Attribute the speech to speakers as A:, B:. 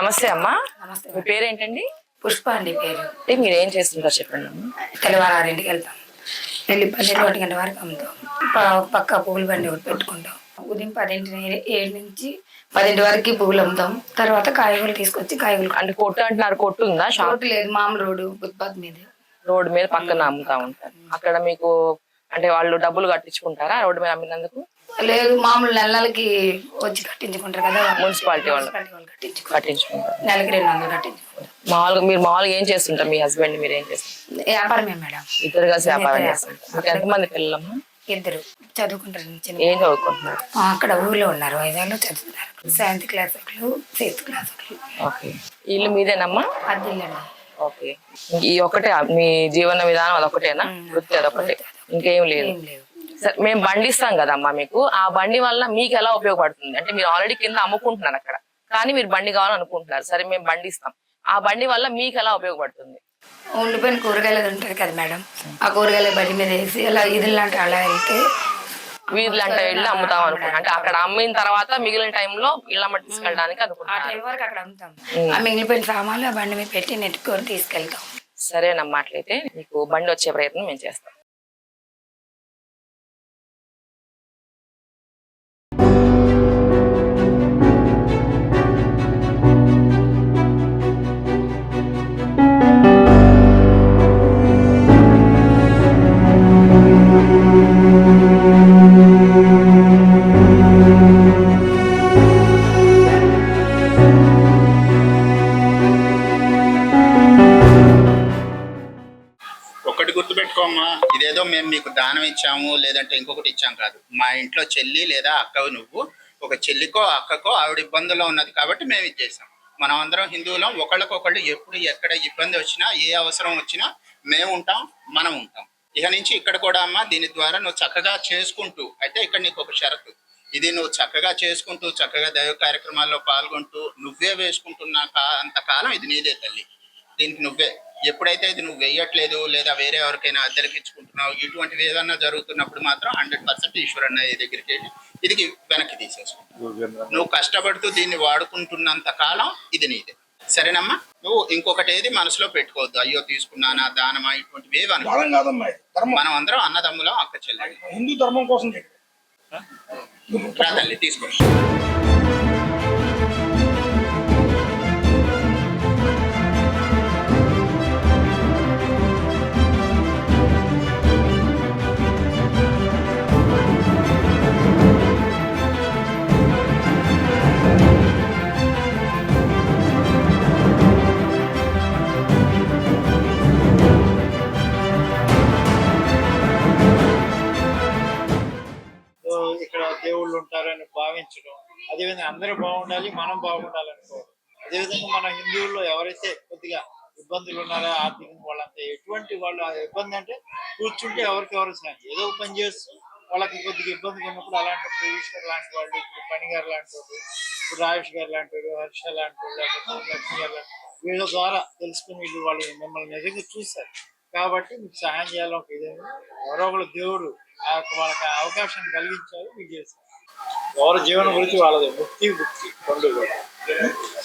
A: నమస్తే అమ్మా.
B: నమస్తే
A: మీ పేరేంటండి?
B: పుష్ప అండి పేరు.
A: అంటే మీరు ఏం చేస్తుంటారు చెప్పండి అమ్మా.
B: తెల్లవారు 6ంటికి వెళ్తాం, వెళ్ళి 12 గంటల వరకు అమ్ముతాం. పక్క పువ్వుల బండి ఒకటి పెట్టుకుంటాం. ఉదయం 7 నుంచి 10 వరకు పువ్వులు అమ్ముతాం. తర్వాత కాయగూరలు తీసుకొచ్చి కాయగూరలు.
A: అంటే కొట్టు అంటున్నారు, కొట్టు ఉందా?
B: షాప్ లేదు, మామూలు రోడ్డు ఫుట్పాత్ మీద.
A: రోడ్డు మీద పక్కన అమ్ముతా ఉంటారు. అక్కడ మీకు అంటే వాళ్ళు డబ్బులు కట్టించుకుంటారా రోడ్డు మీద అమ్మినందుకు?
B: లేదు, మామూలు నెలకి వచ్చి కట్టించుకుంటారు కదా,
A: మున్సిపాలిటీ వాళ్ళు కట్టించుకుంటారు.
B: నెలకి 200 కట్టించుకుంటారు.
A: మీరు మామూలుగా ఏం చేస్తుంటారు? మీ హస్బెండ్ మీరు ఏం చేస్తారు?
B: వ్యాపారమే మేడం.
A: ఇద్దరు కలిసి వ్యాపారం చేస్తుంటారు. మీకు ఎంతమంది పిల్లలమ్మా?
B: 2 చదువుకుంటారు.
A: ఏం చదువుకుంటున్నారు?
B: అక్కడ ఊర్లో ఉన్నారు, వైజాగ్లో చదువుతున్నారు. 7th క్లాస్ ఒకళ్ళు, 6th క్లాస్ ఒకళ్ళు.
A: ఓకే. ఇల్లు మీదేనమ్మా?
B: అద్దిల్లండి.
A: ఓకే. ఈ ఒకటే మీ జీవన విధానం అదొకటేనా? వృత్తి అదొకటే, ఇంకేం లేదు? సరే, మేము బండి ఇస్తాం కదమ్మా మీకు. ఆ బండి వల్ల మీకు ఎలా ఉపయోగపడుతుంది అంటే మీరు ఆల్రెడీ కింద అమ్ముకుంటున్నారు అక్కడ, కానీ మీరు బండి కావాలనుకుంటున్నారు. సరే, మేము బండి ఇస్తాం. ఆ బండి వల్ల మీకు ఎలా ఉపయోగపడుతుంది?
B: ఉండిపోయిన కూరగాయలు ఉంటుంది కదా మేడం, ఆ కూరగాయల బండి మీద వేసి అలా ఇదిలాంటి అలా వెళ్తే
A: వీధులంటే వెళ్ళి అమ్ముతాం అనుకుంటా. అంటే అక్కడ అమ్మిన తర్వాత మిగిలిన టైంలో ఇళ్ళమ్మ తీసుకెళ్ళడానికి అనుకుంటాం.
B: ఆ టైం వరకు అక్కడ అమ్ముతాం. ఆ మిగిలిపోయిన సామాన్లు ఆ బండి మీద పెట్టి నెట్టుకొని తీసుకెళ్తాం.
A: సరేనమ్మా, అట్లయితే మీకు బండి వచ్చే ప్రయత్నం మేము చేస్తాం.
C: ఒక్కటి గుర్తుపెట్టుకోమ్మా, ఇదేదో మేము మీకు దానం ఇచ్చాము లేదంటే ఇంకొకటి ఇచ్చాం కాదు. మా ఇంట్లో చెల్లి లేదా అక్కవు నువ్వు, ఒక చెల్లికో అక్కకో ఆవిడ ఇబ్బందుల్లో ఉన్నది కాబట్టి మేము ఇచ్చేసాం. మనం అందరం హిందువులం, ఒకళ్ళకొకళ్ళు ఎప్పుడు ఎక్కడ ఇబ్బంది వచ్చినా ఏ అవసరం వచ్చినా మేము ఉంటాం, మనం ఉంటాం. ఇక నుంచి ఇక్కడ కూడా అమ్మా దీని ద్వారా నువ్వు చక్కగా చేసుకుంటూ, అయితే ఇక్కడ నీకు ఒక షరతు, ఇది నువ్వు చక్కగా చేసుకుంటూ చక్కగా దైవ కార్యక్రమాల్లో పాల్గొంటూ నువ్వే వేసుకుంటున్నా అంతకాలం ఇది నీదే తల్లి. దీనికి నువ్వే ఎప్పుడైతే ఇది నువ్వు వేయట్లేదు లేదా వేరే ఎవరికైనా అద్దెలకు ఇచ్చుకుంటున్నావు, ఇటువంటివి ఏదన్నా జరుగుతున్నప్పుడు మాత్రం 100% ఈశ్వరన్న దగ్గరికి వెళ్ళి ఇది వెనక్కి తీసేసుకుంటావు. నువ్వు కష్టపడుతూ దీన్ని వాడుకుంటున్నంత కాలం ఇది నీదే. సరేనమ్మా? నువ్వు ఇంకొకటి ఏది మనసులో పెట్టుకోవద్దు, అయ్యో తీసుకున్నానా దానమా ఇటువంటివి ఏవి అనుకో. మనం అందరం అన్నదమ్ములం, అక్క చెల్లెలు.
D: హిందూ ధర్మం కోసం
C: రా తల్లి, తీసుకో.
D: ఇక్కడ దేవుళ్ళు ఉంటారని భావించడం, అదేవిధంగా అందరూ బాగుండాలి, మనం బాగుండాలనుకోవడం. అదేవిధంగా మన హిందువుల్లో ఎవరైతే కొద్దిగా ఇబ్బందులు ఉన్నారో ఆర్థికంగా, వాళ్ళంతా ఎటువంటి వాళ్ళు ఆ ఇబ్బంది అంటే కూర్చుంటే ఎవరికెవరు సాయం ఏదో పని చేస్తూ వాళ్ళకి కొద్దిగా ఇబ్బందిగా ఉన్నప్పుడు అలాంటప్పుడు ఈశ్వర్ లాంటి వాళ్ళు, ఇప్పుడు పని గారు లాంటి వాళ్ళు, ఇప్పుడు రాజేష్ గారు లాంటి వాళ్ళు, హర్ష లాంటి వాళ్ళు, లేకపోతే లక్ష్మి గారు లాంటి వీళ్ళ ద్వారా తెలుసుకుని వీళ్ళు వాళ్ళు మిమ్మల్ని నిజంగా చూశారు కాబట్టి మీకు సహాయం చేయాలని ఒక ఇదేమి ఎవరో ఒకళ్ళు దేవుడు వాళ్ళకి అవకాశాన్ని కలిగించారు, మీకు చేశారు. ఎవరి జీవనం గురించి వాళ్ళది ముక్తి రెండు కూడా.